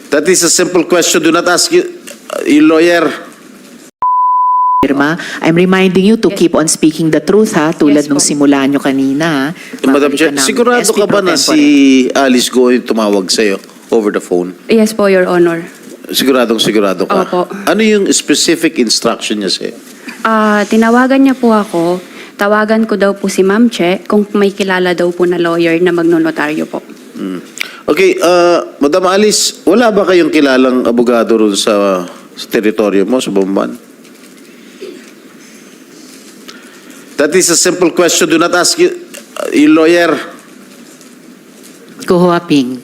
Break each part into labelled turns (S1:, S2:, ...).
S1: That is a simple question. Do not ask your lawyer.
S2: Irma, I'm reminding you to keep on speaking the truth, ha? Tulad nung simula nyo kanina.
S1: Madam Chair, sigurado ka ba na si Alice Goy tumawag sa'yo over the phone?
S3: Yes po, Your Honor.
S1: Sigurado ka?
S3: Opo.
S1: Ano yung specific instruction niya sa'yo?
S3: Tinawagan niya po ako. Tawagan ko daw po si Ma'am Che kung may kilala daw po na lawyer na magnonotaryo po.
S1: Okay, Madam Alice, wala ba kayong kilalang abogado ron sa teritoryo mo, sa Bamban? That is a simple question. Do not ask your lawyer.
S2: Go Huaping.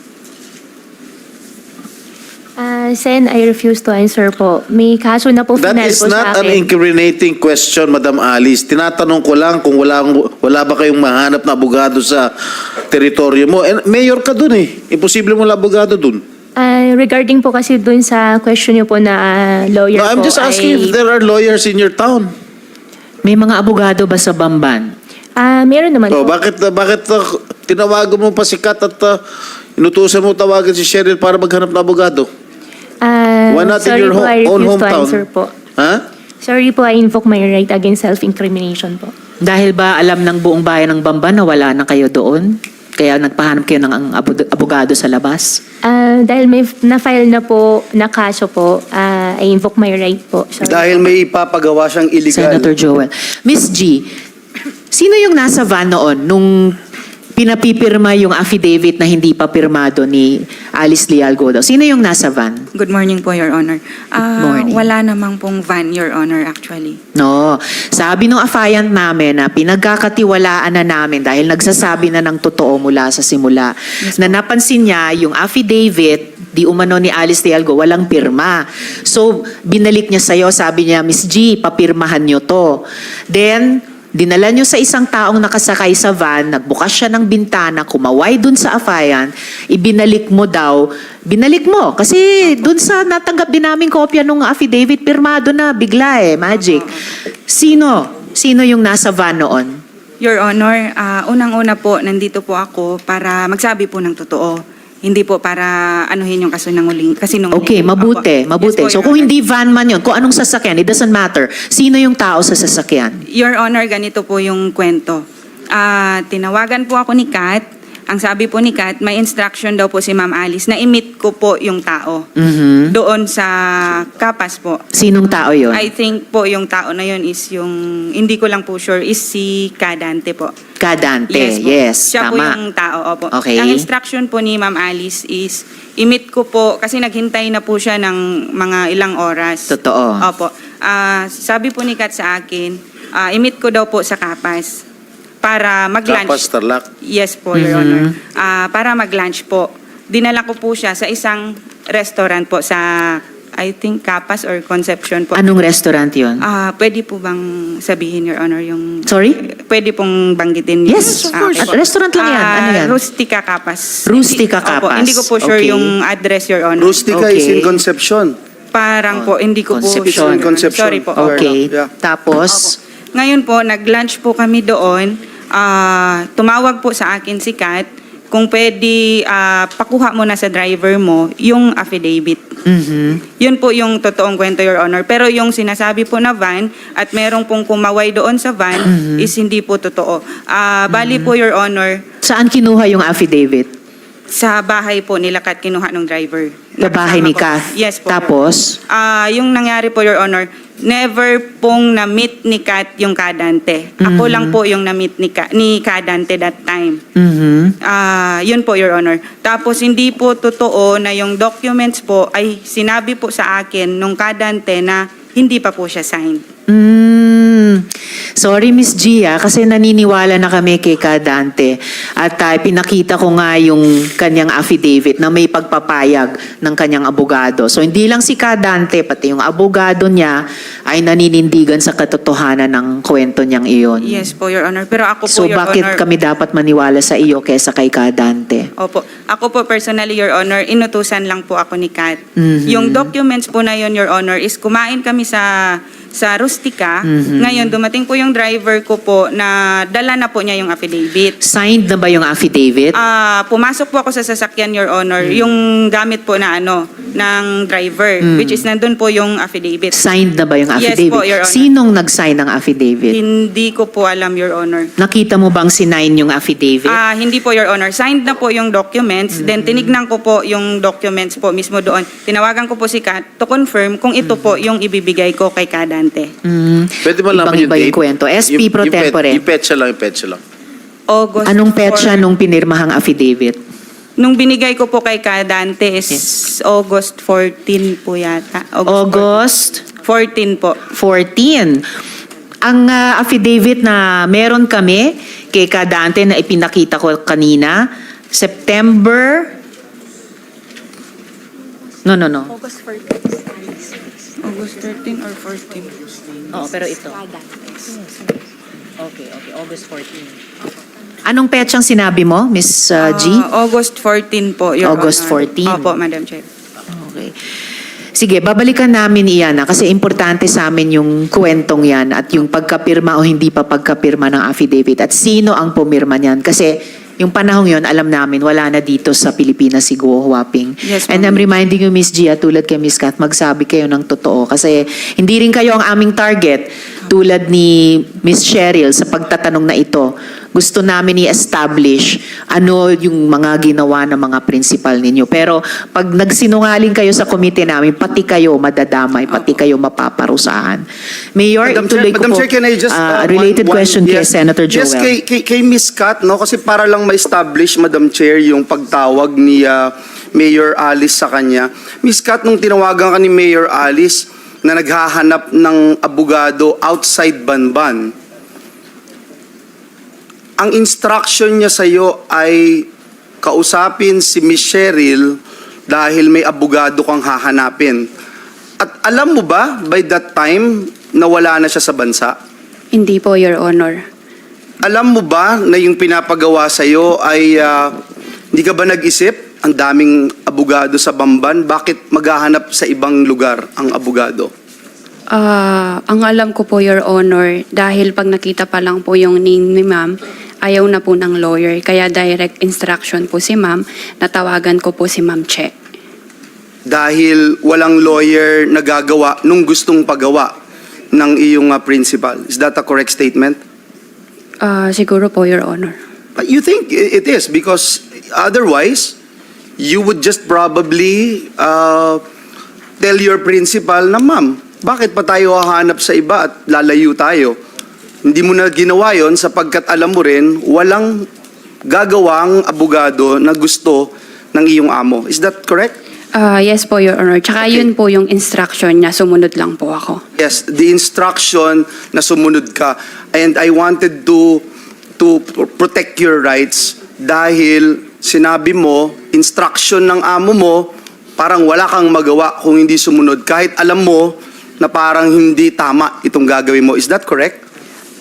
S4: Sen, I refuse to answer po. May kaso na po
S1: That
S4: final
S1: is
S4: po
S1: not
S4: sa
S1: an
S4: akin.
S1: incriminating question, Madam Alice. Tinatanong ko lang kung wala ba kayong mahanap na abogado sa teritoryo mo. And mayor ka dun eh. Imposible mo lang abogado dun.
S4: Regarding po kasi dun sa question niyo po na lawyer
S1: No, I'm
S4: po
S1: just asking if there are lawyers in your town.
S2: May mga abogado ba sa Bamban?
S4: Meron naman
S1: Oh,
S4: po.
S1: bakit tinawagan mo pa si Kat at inutusan mo tawagan si Cheryl para maghanap ng abogado? Why not in
S4: sorry
S1: your
S4: po, I
S1: own
S4: refuse to
S1: hometown?
S4: answer po.
S1: Ha?
S4: Sorry po, I invoke my right against self-incrimination po.
S2: Dahil ba alam ng buong bayan ng Bamban na wala na kayo doon? Kaya nagpahanap kayo ng abogado sa labas?
S4: Dahil may na-file na po na kaso po, I invoke my right po. Sorry.
S5: Dahil may ipapagawa siyang illegal.
S2: Senator Joel. Miss G, sino yung nasa van noon nung pinapipirma yung affidavit na hindi pa pirmado ni Alice Leal Godo? Sino yung nasa van?
S6: Good morning po, Your Honor.
S2: morning.
S6: Wala namang pong van, Your Honor, actually.
S2: No. Sabi ng affiant namin na pinagkakatiwalaan na namin dahil nagsasabi na ng totoo mula sa simula. Na napansin niya yung affidavit di umano ni Alice Lealgo, walang pirma. So, binalik niya sa'yo, sabi niya, Miss G, papirmahan niyo to. Then, dinala niyo sa isang taong nakasakay sa van, nagbukas siya ng bintana, kumaway dun sa affiant, ibinalik mo daw, binalik mo. Kasi dun sa natanggap din namin kopya nung affidavit, pirmado na, bigla magic. Sino yung nasa van noon?
S6: Your Honor, unang-una po, nandito po ako para magsabi po ng totoo. Hindi po para anuhin yung kasinungaling.
S2: Okay, mabuti.
S6: Opo.
S2: Mabuti.
S6: Yes po,
S2: So
S6: Your
S2: kung
S6: Honor.
S2: hindi van man yun, kung anong sasakyan, it doesn't matter. Sino yung tao sa sasakyan?
S6: Your Honor, ganito po yung kwento. Tinawagan po ako ni Kat. Ang sabi po ni Kat, may instruction daw po si Ma'am Alice na i-meet ko po yung tao.
S2: Mhm.
S6: Doon sa Kapas po.
S2: Sinong tao yun?
S6: I think po yung tao na yun is yung, hindi ko lang po sure, is si Kadante po.
S2: Kadante.
S6: Po.
S2: Yes,
S6: Siya po
S2: tama.
S6: yung tao, opo.
S2: Okay.
S6: Ang instruction po ni Ma'am Alice is, i-meet ko po, kasi naghintay na po siya ng mga ilang oras.
S2: Totoo.
S6: Opo. Sabi po ni Kat sa akin, i-meet ko daw po sa Kapas para mag-lunch.
S1: Kapas, Tarlac.
S6: Yes po, Your Honor. Para mag-lunch po. Dinala ko po siya sa isang restaurant po sa, I think, Kapas or Concepcion po.
S2: Anong restaurant yun?
S6: Pwede po bang sabihin, Your Honor, yung...
S2: Sorry?
S6: Pwede pong banggitin yung...
S2: Yes, of course.
S6: okay po.
S2: At restaurant lang yan. Ano yan?
S6: Rustica Kapas.
S2: Rustica
S6: Opo,
S2: Kapas.
S6: hindi ko po sure
S2: Okay.
S6: yung address, Your Honor.
S5: Rustica is
S2: Okay.
S5: in Concepcion.
S6: Parang po, hindi ko
S2: Concepcion.
S6: po...
S5: Concepcion.
S6: Sorry po.
S2: Okay.
S5: Yeah.
S2: Tapos,
S6: Ngayon po, nag-lunch po kami doon. Tumawag po sa akin si Kat kung pwede pakuha mo na sa driver mo yung affidavit.
S2: mhm.
S6: Yun po yung totoong kwento, Your Honor. Pero yung sinasabi po na van at merong pong kumaway doon sa van is hindi po totoo. Bali po, Your Honor,
S2: Saan kinuha yung affidavit?
S6: sa bahay po nila Kat kinuha ng driver.
S2: Sa bahay ni
S6: Nakasama ko.
S2: Kath?
S6: Yes po.
S2: Tapos?
S6: Yung nangyari po, Your Honor, never pong na-meet ni Kat yung Kadante. Ako lang po yung na-meet ni Kadante that time.
S2: Mhm.
S6: Yun po, Your Honor. Tapos hindi po totoo na yung documents po ay sinabi po sa akin nung Kadante na hindi pa po siya signed.
S2: Sorry, Miss Gia, kasi naniniwala na kami kay Kadante. At pinakita ko nga yung kanyang affidavit na may pagpapayag ng kanyang abogado. So, hindi lang si Kadante, pati yung abogado niya ay naninindigan sa katotohanan ng kwento niyang iyon.
S6: Yes po, Your Honor. Pero ako po,
S2: So,
S6: Your
S2: bakit
S6: Honor...
S2: kami dapat maniwala sa iyo kaysa kay Kadante?
S6: Opo. Ako po personally, Your Honor, inutusan lang po ako ni Kat.
S2: Mhm.
S6: Yung documents po na yun, Your Honor, is kumain kami sa sa Rustica. Ngayon, dumating po yung driver ko po na dala na po niya yung affidavit.
S2: Signed na ba yung affidavit?
S6: Pumasok po ako sa sasakyan, Your Honor, yung gamit po na ng driver, which is nandun po yung affidavit.
S2: Signed na ba yung
S6: Yes
S2: affidavit?
S6: po, Your Honor.
S2: Sinong nag-sign ng affidavit?
S6: Hindi ko po alam, Your Honor.
S2: Nakita mo bang sinign yung affidavit?
S6: Hindi po, Your Honor. Signed na po yung documents. Then tinignan ko po yung documents po mismo doon. Tinawagan ko po si Kat to confirm kung ito po yung ibibigay ko kay Kadante.
S1: Pwede mo laman
S2: Ibang-iba yung kwento. SP pro tempore.
S1: Yung petsa lang.
S6: August
S2: Anong petsa
S6: 4.
S2: nung pinirmahang affidavit?
S6: Nung binigay ko po kay Kadante is August 14 po yata.
S2: August
S6: 14 po.
S2: 14. Ang affidavit na meron kami kay Kadante na ipinakita ko kanina, September... No.
S6: August 13 or 14?
S2: Oo, pero ito. Okay, August 14. Anong petsang sinabi mo, Miss G?
S6: August 14 po, Your
S2: August
S6: Honor.
S2: 14.
S6: Opo, Madam Chair.
S2: Okay. Sige, babalikan namin iyan kasi importante sa amin yung kwentong yan at yung pagkapirma o hindi pa pagkapirma ng affidavit at sino ang pumirma niyan. Kasi yung panahong yon alam namin, wala na dito sa Pilipinas si Guo Huaping.
S6: Yes,
S2: And
S6: ma'am.
S2: I'm reminding you, Miss Gia, tulad kay Miss Kat, magsabi kayo ng totoo. Kasi hindi rin kayo ang aming target tulad ni Miss Cheryl sa pagtatanong na ito. Gusto namin i-establish ano yung mga ginawa ng mga principal ninyo. Pero pag nagsinungaling kayo sa komite namin, pati kayo madadamay, pati kayo mapaparusahan. Mayor, ituloy ko
S5: Madam
S2: po.
S5: Chair, can I just...
S2: related question kay
S5: yes.
S2: Senator Joel.
S5: Yes, kay Ms. Kat, no? Kasi para lang ma-establish, Madam Chair, yung pagtawag ni Mayor Alice sa kanya. Ms. Kat, nung tinawagan ka ni Mayor Alice na naghahanap ng abogado outside Banban, ang instruction niya sa iyo ay kausapin si Miss Cheryl dahil may abogado kang hahanapin. At alam mo ba, by that time, nawala na siya sa bansa?
S3: Hindi po, Your Honor.
S5: Alam mo ba na yung pinapagawa sa iyo ay hindi ka ba nag-isip? Ang daming abogado sa Bamban, bakit maghahanap sa ibang lugar ang abogado?
S3: Ang alam ko po, Your Honor, dahil pag nakita pa lang po yung name ni ma'am, ayaw na po ng lawyer. Kaya direct instruction po si ma'am, natawagan ko po si Ma'am Che.
S5: Dahil walang lawyer na gagawa nung gustong pagawa ng iyong principal. Is that a correct statement?
S3: Siguro po, Your Honor.
S5: You think it is because otherwise, you would just probably tell your principal na, ma'am, bakit pa tayo hahanap sa iba at lalayo tayo? Hindi mo na ginawa yon sapagkat alam mo rin, walang gagawang abogado na gusto ng iyong amo. Is that correct?
S3: Yes po, Your Honor. Tsaka
S5: Okay.
S3: yun po yung instruction niya, sumunod lang po ako.
S5: Yes, the instruction na sumunod ka. And I wanted to protect your rights dahil sinabi mo, instruction ng amo mo, parang wala kang magawa kung hindi sumunod. Kahit alam mo na parang hindi tama itong gagawin mo. Is that correct?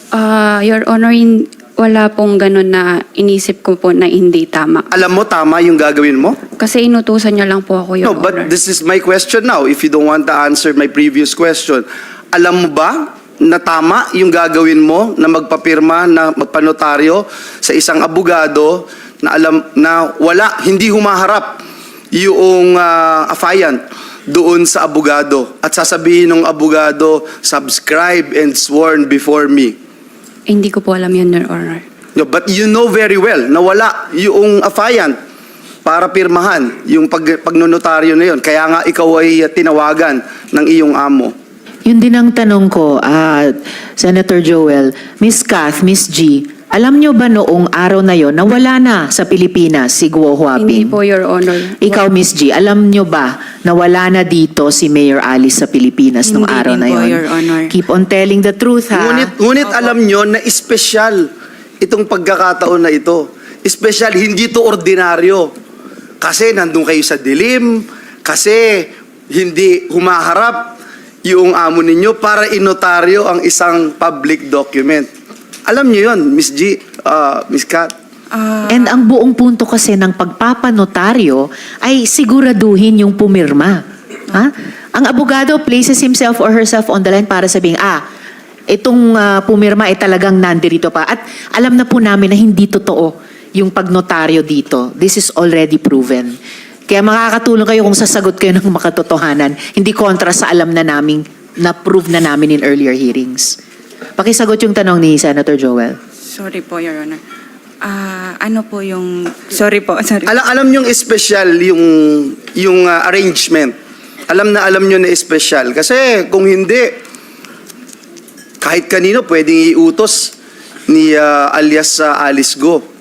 S3: Your Honor, wala pong ganun na inisip ko po na hindi tama.
S5: Alam mo tama yung gagawin mo?
S3: Kasi inutusan niya lang po ako, Your
S5: No, but
S3: Honor.
S5: this is my question now. If you don't want to answer my previous question, alam mo ba na tama yung gagawin mo na magpapirma, na magpanotaryo sa isang abogado na alam na hindi humaharap yung affiant doon sa abogado at sasabihin ng abogado, subscribe and sworn before me.
S3: Hindi ko po alam yun, Your Honor.
S5: No, but you know very well na wala yung affiant para pirmahan yung pagnonotaryo na yun. Kaya nga ikaw ay tinawagan ng iyong amo.
S2: Yun din ang tanong ko, Senator Joel, Miss Kath, Miss G, alam nyo ba noong araw na yon na wala na sa Pilipinas si Guo
S3: Hindi
S2: Huaping?
S3: po, Your Honor.
S2: Ikaw, Miss G, alam nyo ba na wala na dito si Mayor Alice sa Pilipinas nung
S6: Hindi
S2: araw
S6: din
S2: na
S6: po,
S2: yon?
S6: Your Honor.
S2: Keep on telling the truth, ha?
S5: Ngunit alam nyo na espesyal itong pagkakataon na ito. Espesyal, hindi to ordinaryo. Kasi nandun kayo sa dilim, kasi hindi humaharap yung amo ninyo para inotaryo ang isang public document. Alam niyo yun, Miss G, Miss Kat.
S2: And ang buong punto kasi ng pagpapanotaryo ay siguraduhin yung pumirma. Ha? Ang abogado places himself or herself on the line para sabihin, itong pumirma ay talagang nandirito pa. At alam na po namin na hindi totoo yung pagnotaryo dito. This is already proven. Kaya makakatulong kayo kung sasagot kayo ng makatotohanan. Hindi kontra sa alam na namin, na-prove na namin in earlier hearings. Pakisagot yung tanong ni Senator Joel.
S6: Sorry po, Your Honor. Ano po yung... Sorry po, sorry.
S5: Alam nyo yung special yung arrangement. Alam nyo na special. Kasi kung hindi, kahit kanino pwedeng iutos ni alias Alice Go.